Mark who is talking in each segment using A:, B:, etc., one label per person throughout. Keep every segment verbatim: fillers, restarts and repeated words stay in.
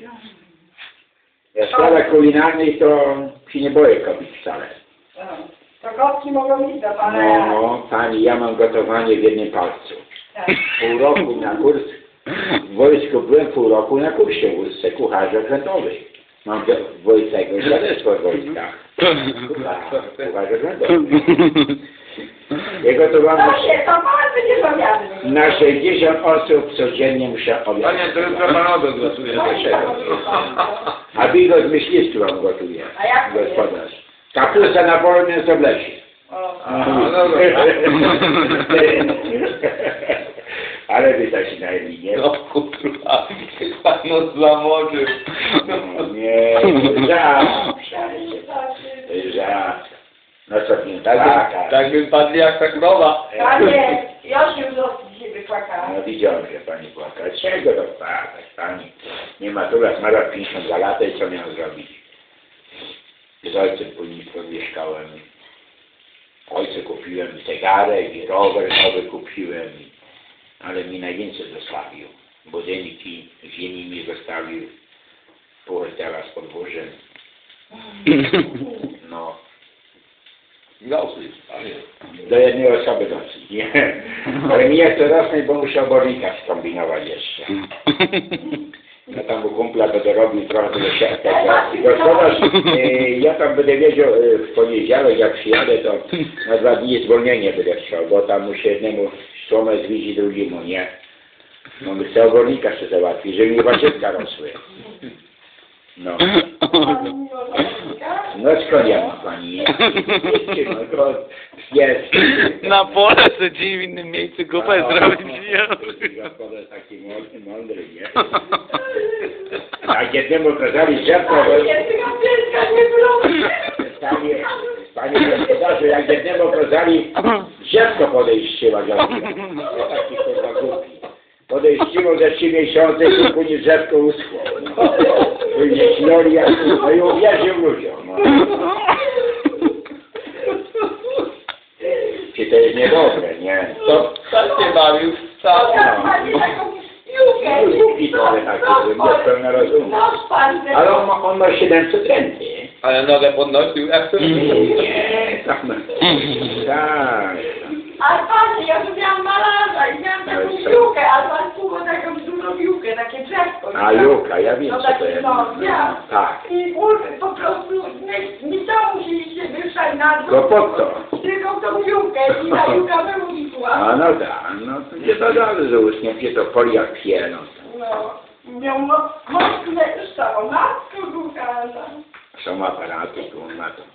A: Ja w sprawach kulinarnych to się nie boję kobiet wcale.
B: To kotki mogą iść do pana.
A: No, pani, ja mam gotowanie w jednym palcu.
B: Tak.
A: Pół roku na kurs, w wojsku byłem pół roku na kursie w Łódce, kucharz okrętowy. Mam wojskiego świadectwo w wojskach. Kucharz okrętowy. Ja gotowałem
B: Dobrze, to pan będzie zamiany.
A: na sześćdziesiąt osób codziennie muszę obiad.
C: Panie, to jutro pan obiad gotuje.
A: A bigos myśliwski wam gotuje,
B: A jak to jest?
A: gospodarz. Kapusta na polu, mięso w lesie.
C: A, no dobra.
A: Ale wy tak się najmniej, nie?
C: No kurwa, pan nos zamoczył.
A: No, nie, żart. Żart. No co nie,
C: Tak,
A: tak,
C: tak by padli jak ta krowa.
B: Panie, ja się w dzisiaj wypłakałam.
A: No widziałem, że pani płaka. Czego to płakać, pani? Nie ma tu raz, ma lat pięćdziesiąt dwa lata i co miał zrobić? Z ojcem później mieszkałem. Ojcu kupiłem zegarek i rower nowy kupiłem. Ale mi najwięcej zostawił. Budynki, ziemi mi zostawił. Pół teraz podwórzem. No.
C: Dosyć, panie.
A: Do jednej osoby dosyć, nie? Ale mi jest to rosnąć, bo muszę obornika skombinować jeszcze. Ja tam u kumpla będę robił trochę do siatki. Gospodarz, e, ja tam będę wiedział e, w poniedziałek, jak przyjadę, to na dwa dni zwolnienie będę chciał, bo tam muszę jednemu słomę zwidzić drugiemu, nie? No my chcę obornika jeszcze załatwić, żeby mi warzytka rosły. No. No skąd ja mam pani? No to jest.
D: Na pole sobie w innym miejscu kupę zrobić.
A: Gospodarz taki mądry, mądry, nie? Jak jednemu kazali drzewko, panie, panie gospodarzu, jak jednemu kazali drzewko podejściła, no taki kurwa głupi. Podejściło ze trzy miesiące, później drzewko uschło. Później śnioli, no i uwierzył ludziom. No. Czy to jest niedobre, nie?
C: Tak się bawił wcale.
A: No, głupi trochę taki, niespełna rozumu. Ale on ma, on ma siedemset renty.
C: Ale nogę podnosił jak to
A: Nie, tak. Tak.
B: Ale panie, ja tu miałam malarza i miałam taką piłkę, a pan kupo taką dużą piłkę, takie drzewko.
A: A Juka, ja wiem
B: No
A: co to
B: taki,
A: jest.
B: no, ja.
A: Tak.
B: I kurde, po prostu nie, nie to musieliście wyszać na dół.
A: No po co?
B: Tylko tą piłkę i ta piłka wyłudła.
A: A no tak, no to nie to dobrze, że uśnięcie to folia pielą.
B: No, miał mocne stało, matko kochana.
A: Są aparaty, tu on ma to.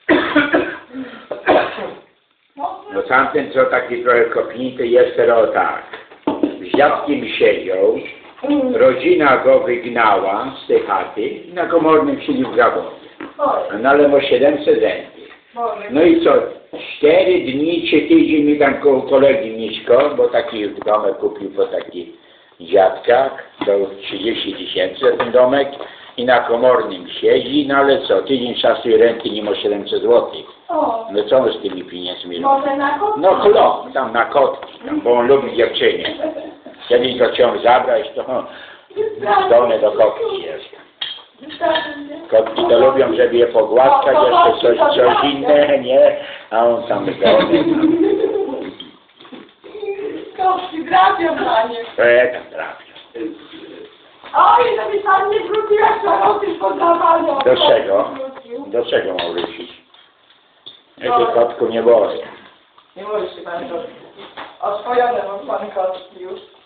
A: No tamten co taki trochę kopnięty jest teraz tak. Z dziadkiem siedział, rodzina go wygnała z tej chaty i na komornym siedział w zawodzie. No ale ma siedemset renty. No i co? Cztery dni, trzy tydzień mi tam koło kolegi Miśko, bo taki domek kupił po takich dziadkach, do trzydzieści tysięcy ten domek i na komornym siedzi, no ale co? Tydzień czasu i renty nie ma siedemset złotych. No co on z tymi pieniędzmi robi?
B: Może na kotki?
A: No chlop, tam na kotki, tam, bo on lubi dziewczynie. Kiedyś go chciał zabrać, to zdolny do kotki jest. Kotki to lubią, żeby je pogłaskać, jeszcze coś, coś inne, nie? A on tam zdolny.
B: Kotki trafią, panie.
A: E, tam trafia.
B: Oj, żeby pan nie wrócił, jak to robisz podawanie.
A: Do czego? Do czego mam wrócić? Ja się kotku nie boję.
B: Nie możesz się pan robić. Oswojone mam pan kotki już.